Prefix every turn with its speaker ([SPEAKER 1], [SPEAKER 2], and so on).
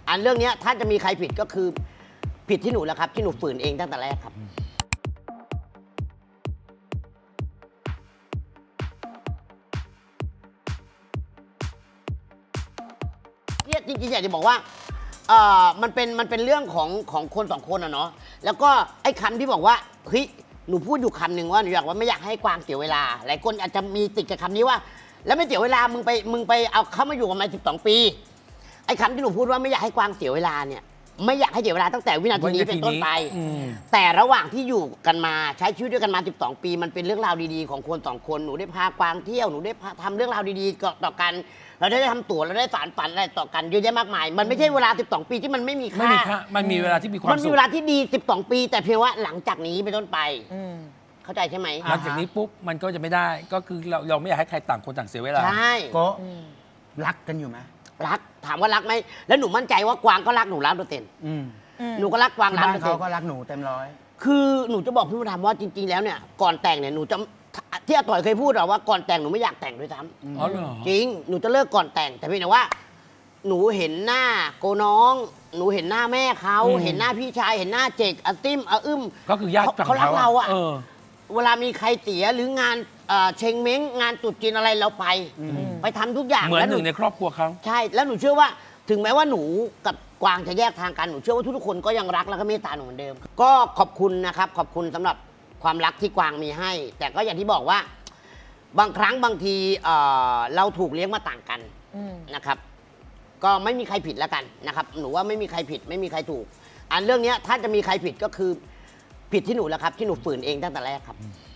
[SPEAKER 1] อันเรื่องนี้ถ้าจะมีใครผิดก็คือผิดที่หนูแล้วครับที่หนูฝืนเองตั้งแต่แรกครับเนี่ยจริงๆอยากจะบอกว่ามันเป็นเรื่องของคนสองคนอะเนาะแล้วก็ไอ้คำที่บอกว่าเฮ้ยหนูพูดอยู่คำหนึ่งว่าหนูอยากว่าไม่อยากให้กวางเสียเวลาหลายคนอาจจะมีติดกับคำนี้ว่าแล้วไม่เสียเวลามึงไปเอาเขามาอยู่กันมา12 ปีไอ้คำที่หนูพูดว่าไม่อยากให้กวางเสียเวลาเนี่ยไม่อยากให้เสียเวลาตั้งแต่วินาทีนี้เป็นต้นไปแต่ระหว่างที่อยู่กันมาใช้ชีวิตด้วยกันมา12 ปีมันเป็นเรื่องราวดีๆของคน2 คนหนูได้พากวางเที่ยวหนูได้ทำเรื่องราวดีๆต่อกันเราได้ทำตั๋วเราได้สารฝันอะไรต่อกันเยอะแยะมากมายมันไม่ใช่เวลา12 ปีที่มันไม่มีค่า
[SPEAKER 2] มันมีเวลาที่มีความสุข
[SPEAKER 1] มันมีเวลาที่ดี12 ปีแต่เพียงว่าหลังจากนี้เป็นต้นไปเข้าใจใช่ไหม
[SPEAKER 2] หลังจากนี้ปุ๊บมันก็จะไม่ได้ก็คือเราไม่อยากให้ใครต่างคนต่างเสียเวลา
[SPEAKER 1] ใช่
[SPEAKER 3] ก็รักกันอยู่ไหม
[SPEAKER 1] รักถามว่ารักไหมแล้วหนูมั่นใจว่ากวางก็รักหนู100%หนูก็รักกวาง
[SPEAKER 3] ที่บ้านเขาก็รักหนูเต็มร้อย
[SPEAKER 1] คือหนูจะบอกพี่มดดำว่าจริงๆแล้วเนี่ยก่อนแต่งเนี่ยหนูจะที่อาต่อยเคยพูดหรอว่าก่อนแต่งหนูไม่อยากแต่งด้วยซ้
[SPEAKER 2] ำอ๋อเหรอ
[SPEAKER 1] จริงหนูจะเลิกก่อนแต่งแต่เพียงแต่ว่าหนูเห็นหน้าโกน้องหนูเห็นหน้าแม่เขาเห็นหน้าพี่ชายเห็นหน้าเจกอาติ้มอาอึ้ม
[SPEAKER 2] ก็คือญาติ
[SPEAKER 1] เขารักเราอะเวลามีใครเสียหรืองานเชงเม้งงานตรุษจีนอะไรเราไปทำทุกอย่าง
[SPEAKER 2] เหมือนหนึ่งในครอบครัวเขา
[SPEAKER 1] ใช่แล้วหนูเชื่อว่าถึงแม้ว่าหนูกับกวางจะแยกทางกันหนูเชื่อว่าทุกๆคนก็ยังรักแล้วก็เมตตาหนูเหมือนเดิมก็ขอบคุณนะครับขอบคุณสำหรับความรักที่กวางมีให้แต่ก็อย่างที่บอกว่าบางครั้งบางทีเราถูกเลี้ยงมาต่างกันนะครับก็ไม่มีใครผิดแล้วกันนะครับหนูว่าไม่มีใครผิดไม่มีใครถูกอันเรื่องนี้ถ้าจะมีใครผิดก็คือผิดที่หนูแล้วครับที่หนูฝืนเองตั้งแต่แรกครับ